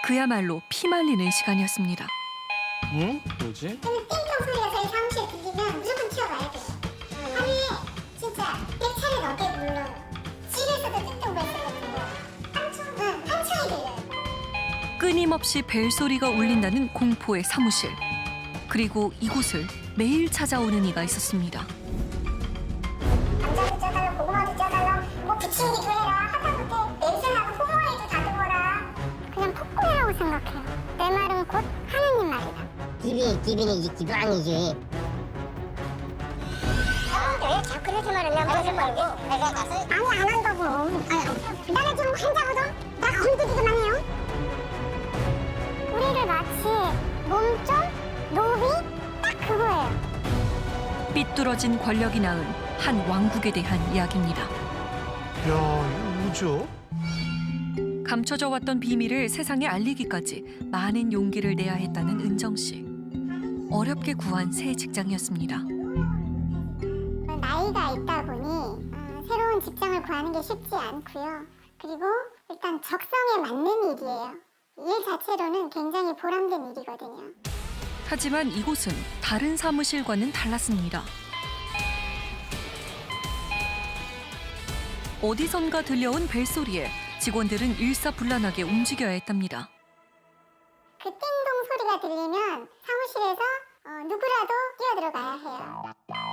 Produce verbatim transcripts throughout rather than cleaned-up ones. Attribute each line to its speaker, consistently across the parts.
Speaker 1: 그야말로 피말리는 시간이었습니다.
Speaker 2: 응? 뭐지?
Speaker 3: 띵동 소리가 저희 사무실에 들리면 무조건 튀어가야 돼요. 하루에 진짜 백 차례 넘게 불러요. 집에서도 띵동 벨소리가 들려요. 한창, 응, 한창이 들려요.
Speaker 1: 끊임없이 벨소리가 울린다는 공포의 사무실. 그리고 이곳을 매일 찾아오는 이가 있었습니다.
Speaker 3: 감자도 쪄달라, 고구마도 쪄달라, 뭐 부침개도 해라, 하다못해 냄새나고 소머리도 다듬어라. 그냥 폭군이라고 생각해요. 내 말은 곧 하느님 말이다.
Speaker 4: 기비, 기비는 기도왕이지.
Speaker 3: 왜 자꾸 그렇게 말하냐? 무슨 말고? 내가 가서 아니 안 한다고. 아니, 나는 지금 환자거든. 나 건드리기만 해요. 우리를 마치 몸종, 노비 딱 그거예요.
Speaker 1: 삐뚤어진 권력이 낳은 한 왕국에 대한 이야기입니다.
Speaker 2: 야, 이거 뭐죠?
Speaker 1: 감춰져 왔던 비밀을 세상에 알리기까지 많은 용기를 내야 했다는 은정 씨. 어렵게 구한 새 직장이었습니다.
Speaker 3: 나이가 있다 보니 어, 새로운 직장을 구하는 게 쉽지 않고요. 그리고 일단 적성에 맞는 일이에요. 일 자체로는 굉장히 보람된 일이거든요.
Speaker 1: 하지만 이곳은 다른 사무실과는 달랐습니다. 어디선가 들려온 벨소리에 직원들은 일사불란하게 움직여야 했답니다.
Speaker 3: 그 띵동 소리가 들리면 사무실에서 어, 누구라도 뛰어들어가야 해요.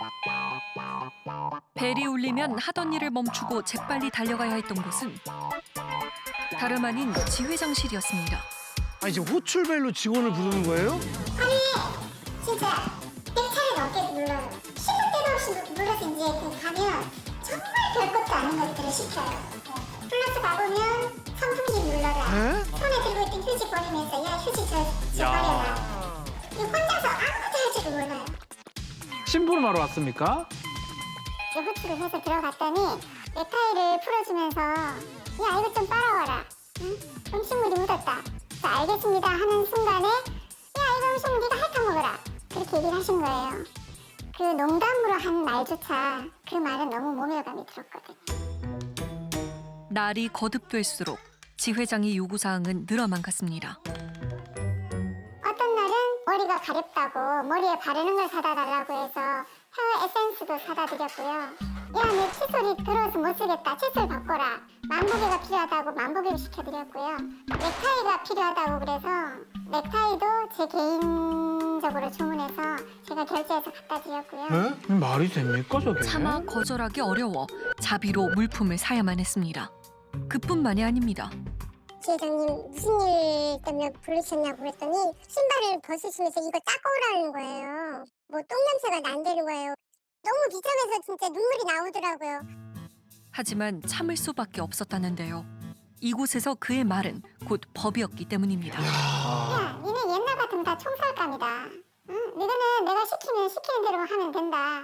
Speaker 1: 벨이 울리면 하던 일을 멈추고 재빨리 달려가야 했던 곳은 다름 아닌 지회장실이었습니다.
Speaker 2: 아니 지금 호출벨로 직원을 부르는 거예요?
Speaker 3: 진짜 백 차례 넘게 눌러요. 시도 때도 없이 눌러서 이제 가면 정말 별것도 아닌 것들을 시켜요. 플러스 가보면 선풍기 눌러라.
Speaker 2: 에?
Speaker 3: 손에 들고 있던 휴지 버리면서 야 휴지 저, 저 버려라. 이 혼자서 아무것도 할 줄을 몰라요.
Speaker 5: 심부름 하러 왔습니까?
Speaker 3: 제 호출을 해서 들어갔더니 넥타이를 풀어주면서 야 이것 좀 빨아와라. 응? 음식물이 묻었다. 그래서 알겠습니다 하는 순간에 야 이거 음식물 네가 핥아 먹어라. 그렇게 얘기를 하신 거예요. 그 농담으로 한 말조차 그 말은 너무 모멸감이 들었거든요.
Speaker 1: 날이 거듭될수록 지회장의 요구사항은 늘어만 갔습니다.
Speaker 3: 어떤 날은 머리가 가렵다고 머리에 바르는 걸 사다 달라고 해서 헤어 에센스도 사다 드렸고요. 야, 내 칫솔이 더러워서 못 쓰겠다. 칫솔 바꿔라. 만보개가 필요하다고 만보개를 시켜드렸고요. 넥타이가 필요하다고 그래서 넥타이도 제 개인적으로 주문해서 제가 결제해서 갖다 드렸고요.
Speaker 2: 에? 말이 됩니까 저게?
Speaker 1: 차마 거절하기 어려워 자비로 물품을 사야만 했습니다. 그뿐만이 아닙니다.
Speaker 3: 지회장님 무슨 일 때문에 부르셨냐고 그랬더니 신발을 벗으시면서 이거 닦고 오라는 거예요. 뭐 똥냄새가 난다는 거예요. 너무 비참해서 진짜 눈물이 나오더라고요.
Speaker 1: 하지만 참을 수밖에 없었다는데요. 이곳에서 그의 말은 곧 법이었기 때문입니다.
Speaker 3: 야, 니네 옛날 같으면 다 총살감이다. 응? 너희는 내가 시키면 시키는 대로 하면 된다.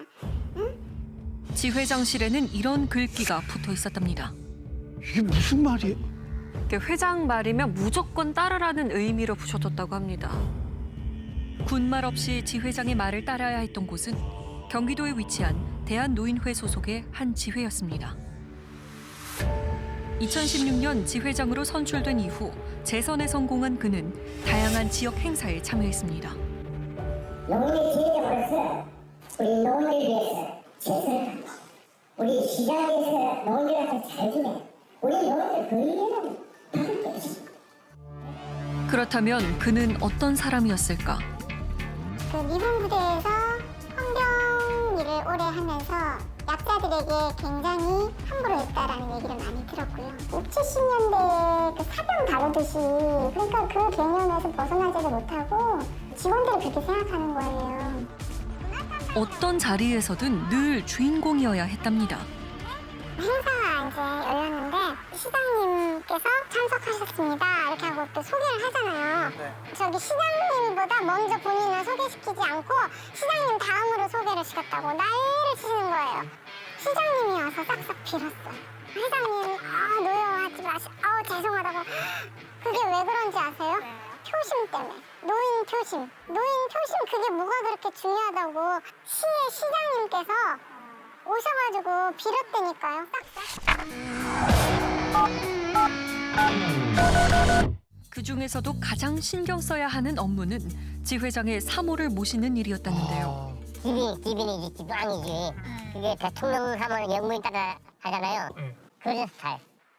Speaker 1: 지회장실에는 이런 글귀가 붙어 있었답니다.
Speaker 2: 이게 무슨 말이에요?
Speaker 1: 회장 말이면 무조건 따르라는 의미로 붙여뒀다고 합니다. 군말 없이 지회장의 말을 따라야 했던 곳은 경기도에 위치한 대한노인회 소속의 한 지회였습니다. 이천십육 년 지회장으로 선출된 이후 재선에 성공한 그는 다양한 지역 행사에 참여했습니다.
Speaker 4: 노인의 지혜자로서 우리 노인을 위해서 최선을 다하고 우리 시장에서 노인들한테 잘 지내. 우리 노인들 그 일에는 받을 게 없습니다.
Speaker 1: 그렇다면 그는 어떤 사람이었을까?
Speaker 3: 그 미군 부대에서 헌병 일을 오래 하면서 약자들에게 굉장히 함부로 했다라는 얘기를 많이 들었고요. 육, 칠십 년대 그 사병 다루듯이 그러니까 그 개념에서 벗어나지도 못하고 직원들이 그렇게 생각하는 거예요.
Speaker 1: 어떤 자리에서든 늘 주인공이어야 했답니다.
Speaker 3: 행사가 이제 열렸는데 시장님께서 참석하셨습니다 이렇게 하고 또 소개를 하잖아요. 저기 시장님보다 먼저 본인을 소개시키지 않고 시장님 다음으로 소개를 시켰다고 난리를 치시는 거예요. 시장님이 와서 싹싹 빌었어요. 회장님 아 노여워하지 마시 아우 죄송하다고. 그게 왜 그런지 아세요? 표심 때문에. 노인 표심. 노인 표심 그게 뭐가 그렇게 중요하다고 시의 시장님께서 오셔가지고 빌었다니까요. 싹싹.
Speaker 1: 그 그 중에서도 가장 신경 써야 하는 업무는 지 회장의 사모를 모시는 일이었다는데요.
Speaker 4: 집이 집이니 집 왕이지. 그게 대통령 하면 영무인 따라 하잖아요. 그런 스타일.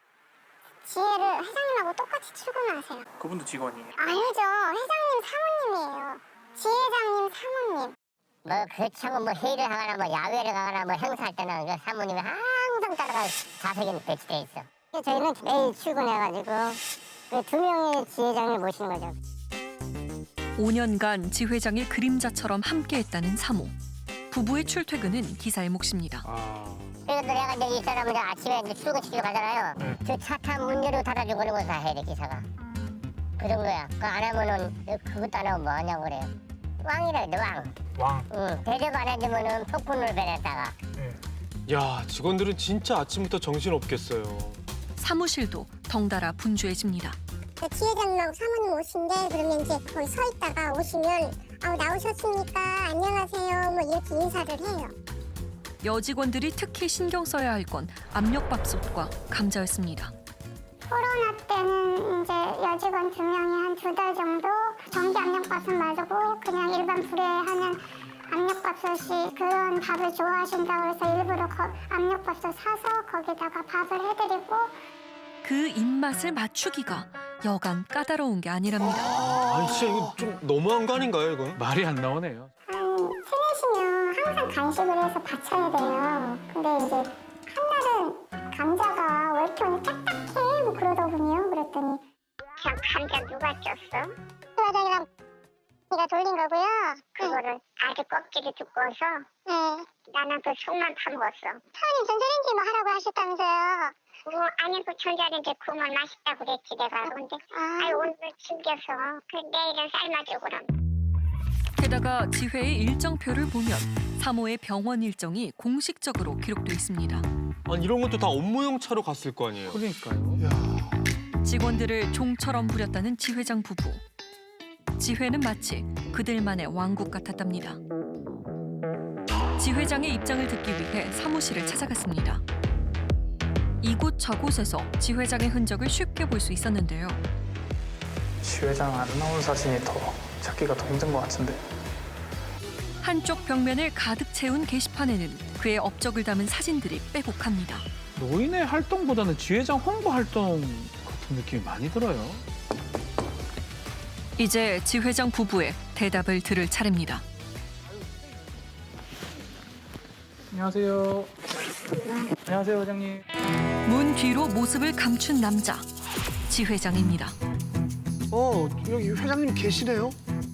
Speaker 3: 지혜를 회장님하고 똑같이 출근하세요.
Speaker 6: 그분도 직원이에요.
Speaker 3: 아니죠. 회장님 사모님이에요. 지회장님 사모님.
Speaker 4: 뭐 그렇지 않고 뭐 회의를 하거나 뭐 야외를 가거나 뭐 행사할 때는 그 사모님이 항상 따라가 좌석에 배치돼 있어. 저희는 매일 출근해가지고 그 두 명의 지회장을 모시는 거죠.
Speaker 1: 오 년간 지 회장의 그림자처럼 함께했다는 사모. 부부의 출퇴근은 기사의 몫입니다.
Speaker 5: 아,
Speaker 4: 그래서 내가 이제 이 사람은 아침에 이제 출근시키러 가잖아요.
Speaker 5: 네.
Speaker 4: 저 차 타 문 열고 닫아주고 그런 거 다 해야 돼 기사가. 그 정도야. 그거 안 하면은 그것도 안 하면 뭐 하냐고 그래요. 왕이라 그래 왕.
Speaker 6: 왕.
Speaker 4: 응. 대접 안 해주면은 폭군을 배냈다가.
Speaker 7: 야, 직원들은 진짜 아침부터 정신 없겠어요.
Speaker 1: 사무실도 덩달아 분주해집니다.
Speaker 3: 그 지회장님하고 사모님 오신데 그러면 이제 거기 서 있다가 오시면 아 나오셨습니까? 안녕하세요. 뭐 이렇게 인사를 해요.
Speaker 1: 여직원들이 특히 신경 써야 할 건 압력밥솥과 감자였습니다.
Speaker 3: 코로나 때는 이제 여직원 두 명이 한 두 달 정도 전기 압력밥솥 말고 그냥 일반 불에 하는 압력밥솥이 그런 밥을 좋아하신다고 해서 일부러 거, 압력밥솥 사서 거기다가 밥을 해드리고
Speaker 1: 그 입맛을 맞추기가 여간 까다로운 게 아니랍니다.
Speaker 7: 아니, 진짜 이거 좀 너무한 거 아닌가요, 이건?
Speaker 5: 말이 안 나오네요.
Speaker 3: 한 세네 시면 항상 간식을 해서 바쳐야 돼요. 근데 이제 한 날은 감자가 왜 이렇게 오늘 딱딱해? 뭐 그러더군요. 그랬더니 그냥 감자 누가 쪘어? 회장이랑 네가 돌린 거고요. 그거를 아주 껍질이 두꺼워서 네. 나는 그 속만 파먹었어. 사장님 전자레인지 뭐 하라고 하셨다면서요? 어, 아니 그 전자레인지 구우면 맛있다고 그랬지 내가. 근데 아. 아유 오늘 숨겨서 그 내일은 삶아줘 그럼.
Speaker 1: 게다가 지회의 일정표를 보면 사모의 병원 일정이 공식적으로 기록돼 있습니다.
Speaker 7: 아니, 이런 것도 다 업무용 차로 갔을 거 아니에요?
Speaker 5: 그러니까요.
Speaker 2: 야,
Speaker 1: 직원들을 종처럼 부렸다는 지 회장 부부. 지 회는 마치 그들만의 왕국 같았답니다. 지 회장의 입장을 듣기 위해 사무실을 찾아갔습니다. 이곳 저곳에서 지 회장의 흔적을 쉽게 볼 수 있었는데요.
Speaker 6: 지 회장 안 나온 사진이 더 찾기가 더 힘든 것 같은데.
Speaker 1: 한쪽 벽면을 가득 채운 게시판에는 그의 업적을 담은 사진들이 빼곡합니다.
Speaker 5: 노인의 활동보다는 지회장 홍보 활동 같은 느낌이 많이 들어요.
Speaker 1: 이제 지 회장 부부의 대답을 들을 차례입니다.
Speaker 6: 안녕하세요. 안녕하세요, 회장님.
Speaker 1: 문 뒤로 모습을 감춘 남자, 지 회장입니다.
Speaker 2: 어 여기 회장님 계시네요.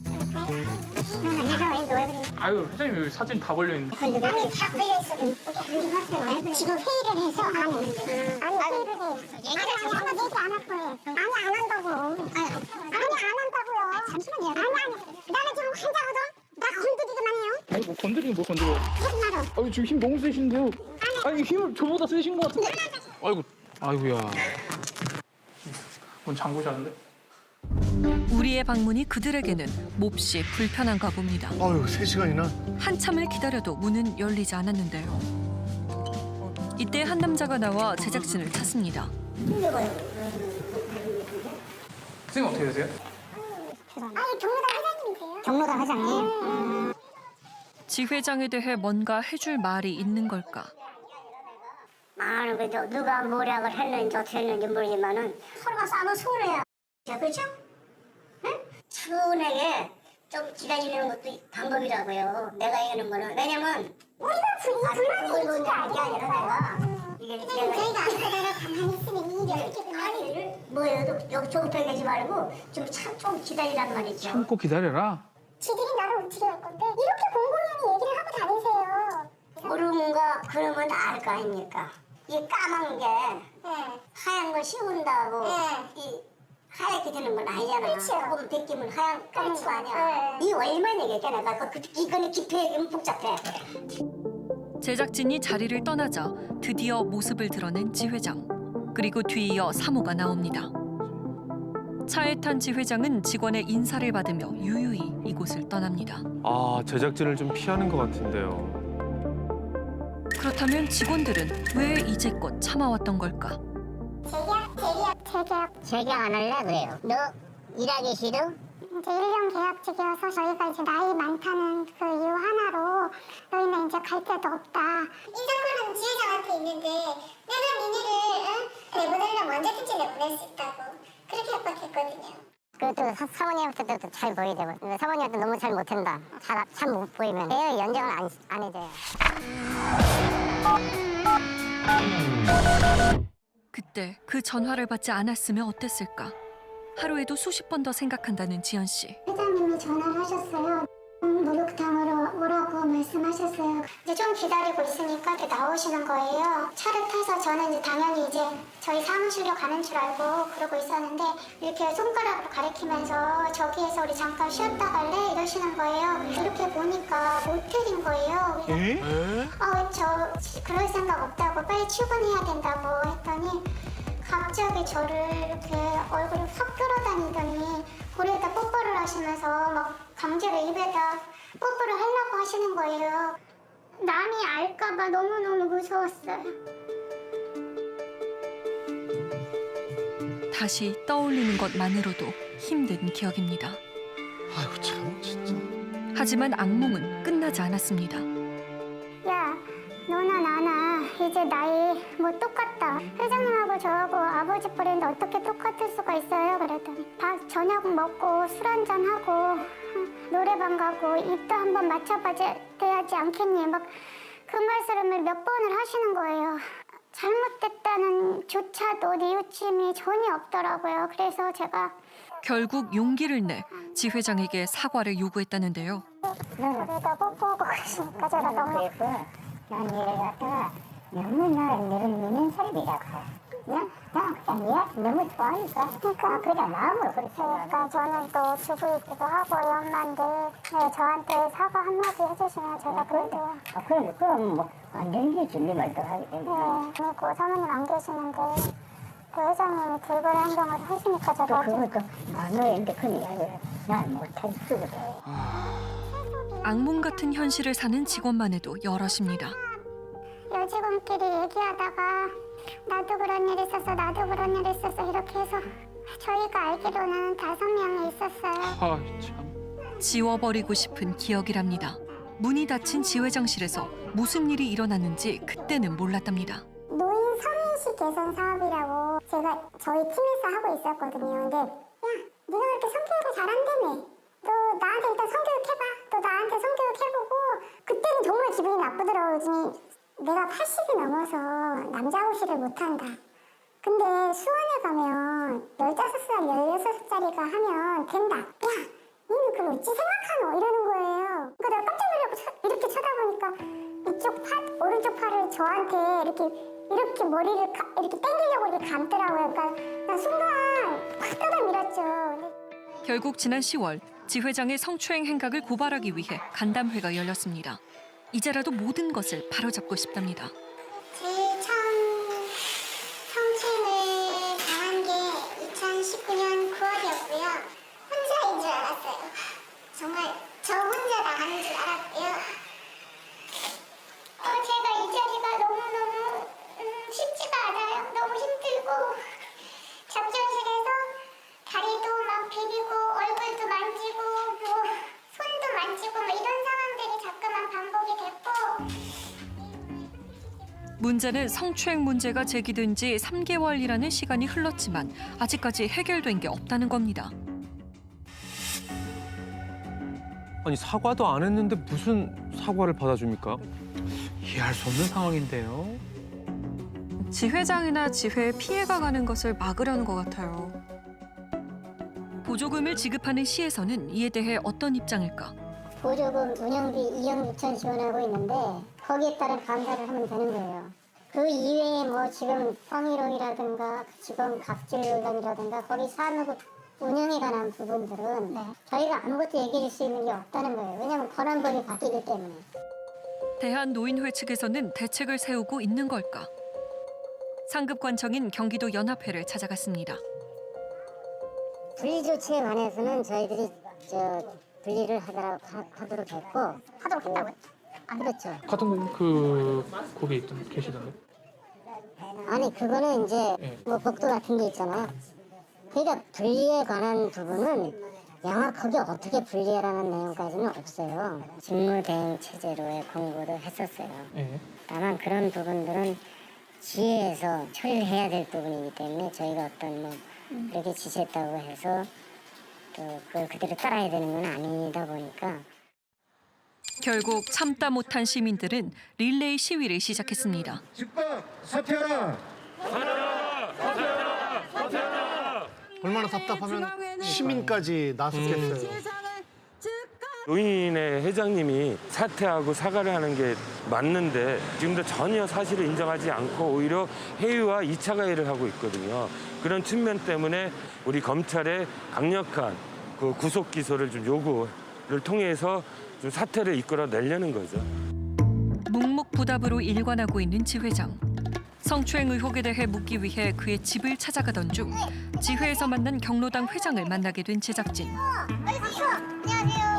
Speaker 6: 아유, 회장님 여기 사진 다 걸려 있는데.
Speaker 3: 아니 다 걸려있어. 지금 회의를 해서 아니 아니 회의를 해요. 아니 아마 얘기 안 할 거예요. 아니 안 한다고. 아니 안 한다고요. 잠시만요. 아니 아니 나는 지금 환자거든. 나 건드리기만 해요.
Speaker 6: 아니, 뭐 건드리긴 뭘 건드려.
Speaker 3: 하지 마라.
Speaker 6: 아니, 지금 힘 너무 세신데요. 아니, 힘을 저보다 세신 것 같은데.
Speaker 7: 아이고,
Speaker 5: 아이고야.
Speaker 6: 문 잠그셨는데?
Speaker 1: 우리의 방문이 그들에게는 몹시 불편한가 봅니다.
Speaker 2: 아유 세 시간이나.
Speaker 1: 한참을 기다려도 문은 열리지 않았는데요. 이때 한 남자가 나와 제작진을 찾습니다.
Speaker 6: 선생님 어떻게 되세요?
Speaker 3: 아니 경로당 회장님이세요?
Speaker 4: 경로당 회장님.
Speaker 1: 지 회장에 대해 뭔가 해줄 말이 있는 걸까?
Speaker 4: 많은 거죠. 누가 모략을 했는지 어떻게 했는지 모르지만은 서로가 싸면 서운해요. 그렇죠? 응? 차분하게 좀 기다리는 것도 방법이라고요. 내가 얘기하는 거는. 왜냐면
Speaker 3: 우리가 불 불만이 있는 게 아니야.
Speaker 4: 아니라 내가 이게
Speaker 3: 선생님 저희가 안 하다가 가만히 있으면 일이 어떻게 되나?
Speaker 4: 아니 뭐예요? 여기 조급하게 하지 말고 좀 참 좀 기다리란 말이죠.
Speaker 5: 참고 기다려라.
Speaker 3: 지들이 나를 어떻게 할 건데 이렇게 공공연히 얘기를 하고 다니세요.
Speaker 4: 모르는 거 그러면 알 거 아닙니까? 이 까만 게
Speaker 3: 네.
Speaker 4: 하얀 걸 씌운다고
Speaker 3: 네.
Speaker 4: 이 하얗게 되는 건 아니잖아.
Speaker 3: 그렇죠.
Speaker 4: 조금 벗기면 하얀 까만 거 아니야.
Speaker 3: 네.
Speaker 4: 이 얼마나 얘기했잖아. 그, 그, 이거는 깊이 복잡해.
Speaker 1: 제작진이 자리를 떠나자 드디어 모습을 드러낸 지 회장. 그리고 뒤이어 사모가 나옵니다. 차에 탄 지 회장은 직원의 인사를 받으며 유유히 이곳을 떠납니다.
Speaker 7: 아, 제작진을 좀 피하는 것 같은데요.
Speaker 1: 그렇다면 직원들은 왜 이제껏 참아왔던 걸까?
Speaker 3: 재계약 재계약 재계약
Speaker 4: 재계약 안 할래 그래요. 너 일하기 싫어?
Speaker 3: 이제 일 년 계약직이어서 저희가 이제 나이 많다는 그 이유 하나로 너희는 이제 갈 데도 없다. 인사권은 지회장한테 있는데 내가 니네를 응? 내보내려면 언제든지 내보낼 수 있다고 그렇게 협박했거든요.
Speaker 4: 그것도 사, 사모님한테도 잘 보여야 되고 근데 사모님한테 너무 잘 못한다. 잘 잘 못 보이면 내 연장을 안, 안 해줘요.
Speaker 1: 그때 그 전화를 받지 않았으면 어땠을까? 하루에도 수십 번 더 생각한다는 지연 씨.
Speaker 3: 회장님이 전화를 하셨어요. 음, 목욕탕으로 오라고 말씀하셨어요. 이제 좀 기다리고 있으니까 이렇게 나오시는 거예요. 차를 타서 저는 이제 당연히 이제 저희 사무실로 가는 줄 알고 그러고 있었는데 이렇게 손가락으로 가리키면서 저기에서 우리 잠깐 쉬었다 갈래? 이러시는 거예요. 이렇게 보니까 모텔인 거예요.
Speaker 5: 에?
Speaker 3: 아, 저 그럴 생각 없다고 빨리 출근해야 된다고 했더니 갑자기 저를 이렇게 얼굴을 확 끌어다니더니 고래에다 뽀뽀를 하시면서 막 강제로 입에다 뽀뽀를 하려고 하시는 거예요. 남이 알까봐 너무너무 무서웠어요.
Speaker 1: 다시 떠올리는 것만으로도 힘든 기억입니다.
Speaker 2: 아이고 참 진짜.
Speaker 1: 하지만 악몽은 끝나지 않았습니다.
Speaker 3: 야, 너나 나나 이제 나이 뭐 똑같다. 회장님하고 저하고 아버지 뿌리인데 어떻게 똑같을 수가 있어요? 그랬더니 밥 저녁 먹고 술 한잔 하고 노래방 가고 입도 한번 맞춰봐야 되지 않겠니? 막 그 말씀을 몇 번을 하시는 거예요. 잘못됐다는 조차도 뉘우침이 전혀 없더라고요. 그래서 제가
Speaker 1: 결국 용기를 내 지 회장에게 사과를 요구했다는데요.
Speaker 3: 그러다 뽀뽀하고 그러시니까 제가 너무
Speaker 4: 그래서 난 얘를 갖다가 너무 나 너는 너는 사람이라고 그냥 나 그냥 얘 너무 좋아하니까 그러니까 그냥 마음으로 그렇게
Speaker 3: 그러니까 저는 또 주부이기도 하고 엄마인데 네, 저한테 사과 한마디 해주시면 제가 그래도
Speaker 4: 아, 그럼 그럼 뭐 완전히 준비 말도 하기 때문에
Speaker 3: 네, 그리고 사모님 안 계시는데 그 회장님이 돌발 행동을 하시니까
Speaker 4: 또
Speaker 3: 제가
Speaker 4: 그것도 마누라인데 그 이야기를 난 못할 수가 없어.
Speaker 1: 악몽 같은 현실을 사는 직원만 해도 여럿입니다.
Speaker 3: 여직원끼리 얘기하다가 나도 그런 일 있었어 나도 그런 일 있었어 이렇게 해서 저희가 알기로는 다섯 명이 있었어요.
Speaker 5: 아 참.
Speaker 1: 지워버리고 싶은 기억이랍니다. 문이 닫힌 지 회장실에서 무슨 일이 일어났는지 그때는 몰랐답니다.
Speaker 3: 노인 성인식 개선 사업이라고 제가 저희 팀에서 하고 있었거든요. 근데 야, 네가 그렇게 성교육을 잘한다며. 너 나한테 일단 성교육 해봐. 너 나한테 성교육 해보고 그때는 정말 기분이 나쁘더라고요. 내가 팔십이 넘어서 남자 호시를 못한다. 근데 수원에 가면 열다섯 살, 열여섯 살짜리가 하면 된다. 야, 니는 그거 어찌 생각하노? 이러는 거예요. 그러니까 내가 깜짝 놀라고 쳐, 이렇게 쳐다보니까 이쪽 팔, 오른쪽 팔을 저한테 이렇게 이렇게 머리를 가, 이렇게 당기려고 이렇게 감더라고요. 그러니까 나 순간 확 떠다 밀었죠. 근데
Speaker 1: 결국 지난 시월 지 회장의 성추행 행각을 고발하기 위해 간담회가 열렸습니다. 이제라도 모든 것을 바로잡고 싶답니다.
Speaker 3: 제일 처음 성추행을 당한 게 이천십구 년 구월이었고요. 혼자인 줄 알았어요. 정말 저 혼자 나가는 줄 알았고요. 어, 제가 이 자리가 너무너무 음, 쉽지가 않아요. 너무 힘들고 작전실에서 다리도 막 비비고 얼굴도 만지고 뭐 손도 만지고 뭐 이런 상황들이 자꾸만 반복이 됐고
Speaker 1: 문제는 성추행 문제가 제기된 지 삼 개월이라는 시간이 흘렀지만 아직까지 해결된 게 없다는 겁니다.
Speaker 7: 아니 사과도 안 했는데 무슨 사과를 받아줍니까?
Speaker 5: 이해할 수 없는 상황인데요.
Speaker 1: 지 회장이나 지회에 피해가 가는 것을 막으려는 것 같아요. 보조금을 지급하는 시에서는 이에 대해 어떤 입장일까?
Speaker 4: 보조금 운영비 이억 육천 지원하고 있는데 거기에 따른 감사를 하면 되는 거예요. 그 이외에 뭐 지금 성희롱이라든가 직원 갑질 논란이라든가 거기 사무국 운영에 관한 부분들은 저희가 아무것도 얘기할 수 있는 게 없다는 거예요. 왜냐하면 권한법이 바뀌기 때문에.
Speaker 1: 대한노인회 측에서는 대책을 세우고 있는 걸까? 상급관청인 경기도 연합회를 찾아갔습니다.
Speaker 4: 분리 조치에 관해서는 저희들이 저 분리를 하도록, 하도록 했고 하도록 했다고요? 안 그렇죠.
Speaker 5: 같은 그 거기 있던 계시던데.
Speaker 4: 아니 그거는 이제
Speaker 5: 네.
Speaker 4: 뭐 복도 같은 게 있잖아요. 그러니까 분리에 관한 부분은 명확하게 어떻게 분리해라는 내용까지는 없어요. 직무대행 체제로의 공고도 했었어요.
Speaker 6: 예.
Speaker 4: 다만 그런 부분들은 지회에서 처리를 해야 될 부분이기 때문에 저희가 어떤 뭐 그렇게 지시했다고 해서 또 그걸 그대로 따라야 되는 건 아니다 보니까
Speaker 1: 결국 참다 못한 시민들은 릴레이 시위를 시작했습니다.
Speaker 2: 집합 사퇴하라. 얼마나 답답하면 시민까지 나섰겠어요.
Speaker 8: 노인의 회장님이 사퇴하고 사과를 하는 게 맞는데 지금도 전혀 사실을 인정하지 않고 오히려 회유와 이 차 가해를 하고 있거든요. 그런 측면 때문에 우리 검찰의 강력한 그 구속 기소를 좀 요구를 통해서 좀 사퇴를 이끌어내려는 거죠.
Speaker 1: 묵묵부답으로 일관하고 있는 지 회장. 성추행 의혹에 대해 묻기 위해 그의 집을 찾아가던 중 지회에서 만난 경로당 회장을 만나게 된 제작진.
Speaker 3: 안녕하세요.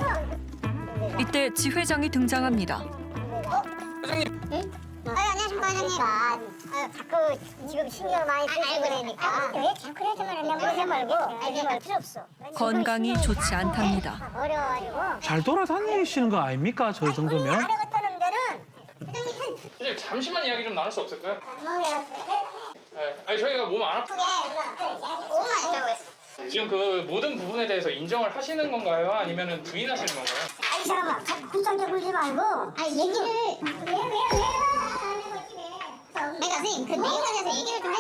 Speaker 1: 이때 지 회장이 등장합니다.
Speaker 3: 회장님. 응? 아, 안녕하십니까, 회장님. 아, 자꾸 지금 신경을 많이 쓰시고 그러니까. 왜 자꾸 그러지 말아. 내가 모르지 말고. 알지 말 필요 없어.
Speaker 1: 건강이 좋지 않답니다.
Speaker 3: 어려워가지고.
Speaker 5: 잘 돌아다니시는 거 아닙니까? 저 정도면?
Speaker 3: 알아갔다는 데는 회장님 한
Speaker 6: 선생님 잠시만 이야기 좀 나눌 수 없을까요?
Speaker 3: 뭐야?
Speaker 6: 네. 아니 저희가 몸 안 아프.
Speaker 3: 오만 있다고 했어.
Speaker 6: 지금 그 모든 부분에 대해서 인정을 하시는 건가요? 아니면 부인하시는 건가요?
Speaker 3: 아니 잠깐만, 자꾸 굳장대 굴지 말고. 아니 얘기를 왜 왜 왜? 내가 선생님 그 내용에 대해서 얘기를 좀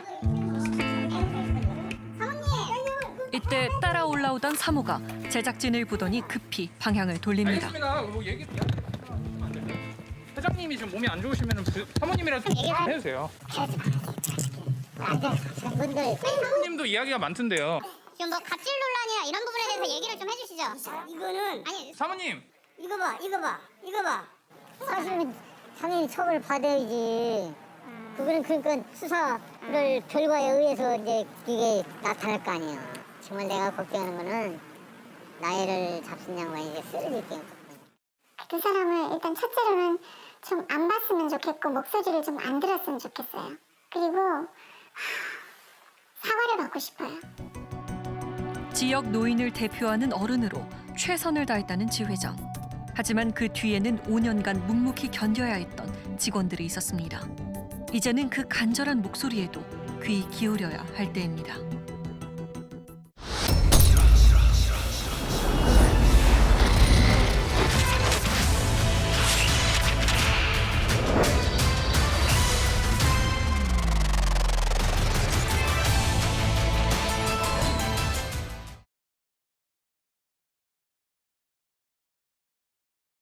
Speaker 3: 해주세요. 사모님.
Speaker 1: 이때 따라 올라오던 사모가 제작진을 보더니 급히 방향을 돌립니다.
Speaker 6: 알겠습니다. 뭐 얘기 이야기 안 돼요. 회장님이 지금 몸이 안 좋으시면 사모님이라도 좀 해주세요.
Speaker 3: 분들.
Speaker 6: 사모님도 이야기가 많던데요.
Speaker 3: 지금 뭐 갑질 논란이나 이런 부분에 대해서 얘기를 좀 해주시죠. 이거는 아니
Speaker 6: 사모님.
Speaker 3: 이거 봐, 이거 봐, 이거 봐. 사실은 당연히 처벌 받아야지. 그거는 그러니까 수사를 결과에 의해서 이제 이게 나타날 거 아니에요. 정말 내가 걱정하는 거는 나이를 잡순 양반이 이제 쓰러질 게 그 사람을 일단 첫째로는 좀 안 봤으면 좋겠고 목소리를 좀 안 들었으면 좋겠어요. 그리고 하, 사과를 받고 싶어요.
Speaker 1: 지역 노인을 대표하는 어른으로 최선을 다했다는 지 회장. 하지만 그 뒤에는 오 년간 묵묵히 견뎌야 했던 직원들이 있었습니다. 이제는 그 간절한 목소리에도 귀 기울여야 할 때입니다.